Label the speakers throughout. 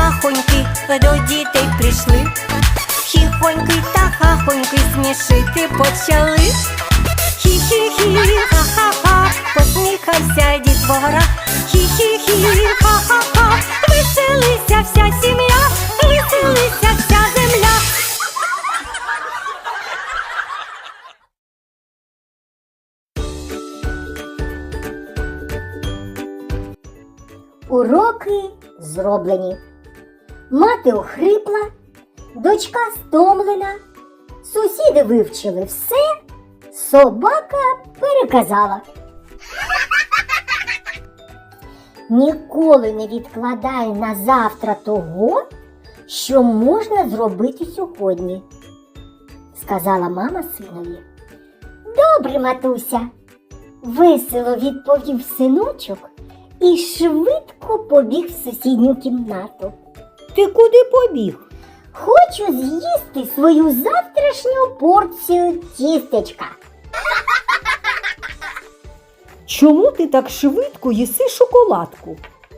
Speaker 1: хахоньки до дітей прийшли. Хіхоньки та хахоньки смішити почали. Хі-хі-хі, ха-ха-ха, посміхався дітвора. Хі-хі-хі, ха-ха-ха, веселися вся сім'я, веселися вся земля.
Speaker 2: Уроки зроблені. Мати охрипла, дочка стомлена, сусіди вивчили все, собака переказала. Ніколи не відкладай на завтра того, що можна зробити сьогодні, сказала мама синові. Добре, матуся, весело відповів синочок і швидко побіг в сусідню кімнату.
Speaker 3: Ти куди побіг?
Speaker 2: Хочу з'їсти свою завтрашню порцію тістечка.
Speaker 3: Чому ти так швидко їси шоколадку?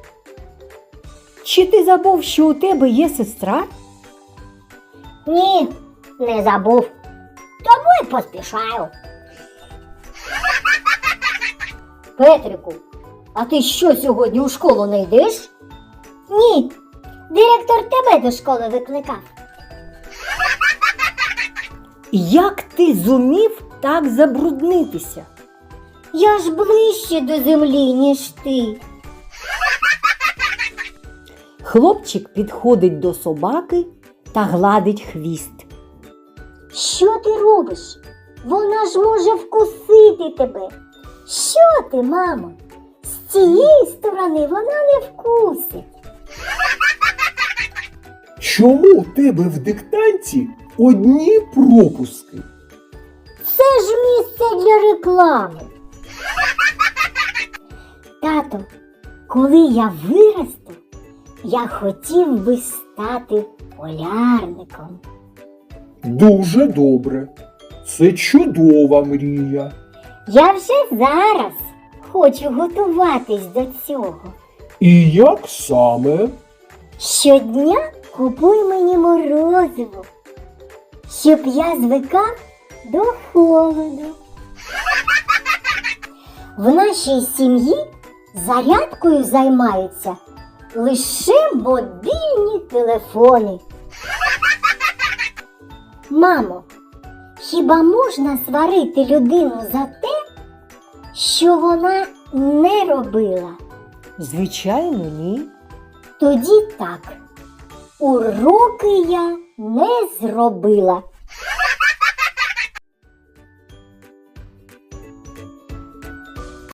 Speaker 3: Чи ти забув, що у тебе є сестра?
Speaker 2: Ні, не забув. Тому й поспішаю. Петрику, а ти що, сьогодні у школу не йдеш? Ні, директор тебе до школи викликав.
Speaker 3: Як ти зумів так забруднитися?
Speaker 2: Я ж ближче до землі, ніж ти.
Speaker 3: Хлопчик підходить до собаки та гладить хвіст.
Speaker 2: Що ти робиш? Вона ж може вкусити тебе. Що ти, мамо? З цієї сторони вона не вкусить.
Speaker 4: Чому у тебе в диктанті одні пропуски?
Speaker 2: Це ж місце для реклами. Тато, коли я виросту, я хотів би стати полярником.
Speaker 4: Дуже добре. Це чудова мрія.
Speaker 2: Я вже зараз хочу готуватись до цього.
Speaker 4: І як саме?
Speaker 2: Щодня купуй мені морозиво, щоб я звикав до холоду. В нашій сім'ї зарядкою займаються лише мобільні телефони. Мамо, хіба можна сварити людину за те, що вона не робила?
Speaker 3: Звичайно, ні.
Speaker 2: Тоді так, уроки я не зробила.